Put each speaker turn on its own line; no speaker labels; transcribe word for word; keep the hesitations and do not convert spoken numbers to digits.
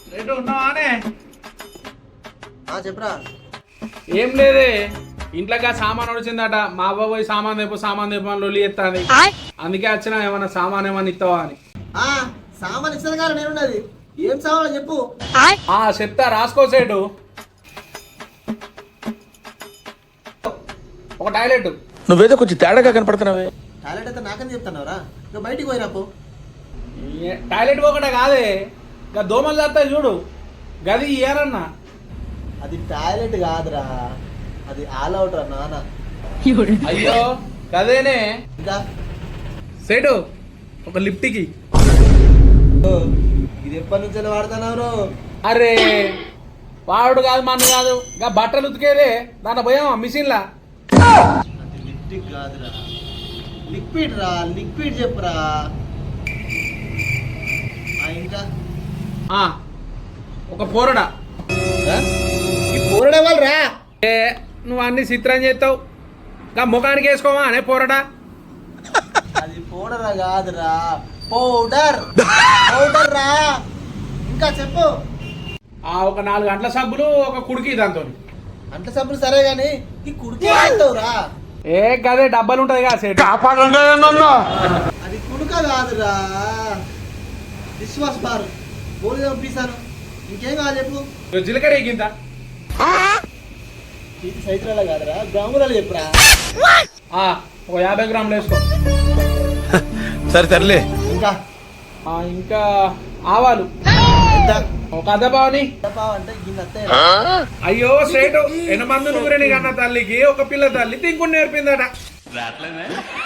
Rate ఉన్నావానే?
చెప్పరా.
ఏం లేదే, ఇంట్లోకి సామాన్ వచ్చిందట. మా అవ్వ పోయి సామాన్ తెప్పు సామాన్ తెప్పు అని లొల్లి ఎత్తాది. అందుకే వచ్చినా ఏమన్నా సామాన్ ఏమన్నా ఇస్తావా అని.
సామాన్ ఇస్తాను కానీ నేనున్నది. ఏం సామాన్ చెప్పు.
ఆ చెప్తా, రాసుకో సేటు. ఒక టాయిలెట్.
నువ్వేదో కొంచెం తేడాగా కనపడుతున్నావే.
టాయిలెట్ అయితే నాకని చెప్తున్నావురా? ఇక బయటికి పోయిరాపో.
టాయిలెట్ ఒకటే కాదే, ఇంకా దోమలు చేస్తాయి చూడు, గది ఏరన్నా.
అది టాయిలెట్ కాదురా, అది ఆల్ అవుట్ రా నాన్న.
అయ్యో కదేనే.
ఇంకా
సేటు ఒక లిఫ్ట్కి.
ఇది ఎప్పటి నుంచి వాడుతున్నావు?
అరే వాడు కాదు మన కాదు, ఇంకా బట్టలు ఉతికేదే దాంట్లో పోయామా మిషన్లా.
అది లిప్టిక్ కాదురా, లిక్విడ్ రా. లిక్విడ్ చెప్పురా. ఇంకా
ఒక పోరడా.
ఈ పోరడా వాళ్ళు రా.
ఏ నువ్వు అన్ని చిత్రం చేస్తావు, ఇంకా ముఖానికి వేసుకోవా అనే పోరడా.
అది పౌడర్ కాదురా, పౌడర్. పౌడర్ రా. ఇంకా చెప్పు.
ఆ ఒక నాలుగు గంటల సబ్బులు ఒక కుడికి దాంతో.
అంట సబ్బులు సరే గాని ఈ కుడికి అంటావురా.
ఏ గదే డబ్బాలు ఉంటది కదా సేటు.
అది కుడుక కాదురా, డిష్ వాష్ బార్. బోలి పంపిస్తాను. ఇంకేం కావాలి చెప్పు.
జీలకర్ర ఎగింత.
ఇది సైకిల్ కాదురా, గ్రాములలో చెప్పురా.
ఒక యాభై గ్రాములు వేసుకో.
సరే తరలే.
ఇంకా
ఇంకా ఆవాలు ఒక అర్ధ పావని.
అంటే గిన్నె.
అయ్యో సేటు ఎనమందు నూరెని కన్న తల్లికి ఒక పిల్ల తల్లి తింకుని నేర్పిందట.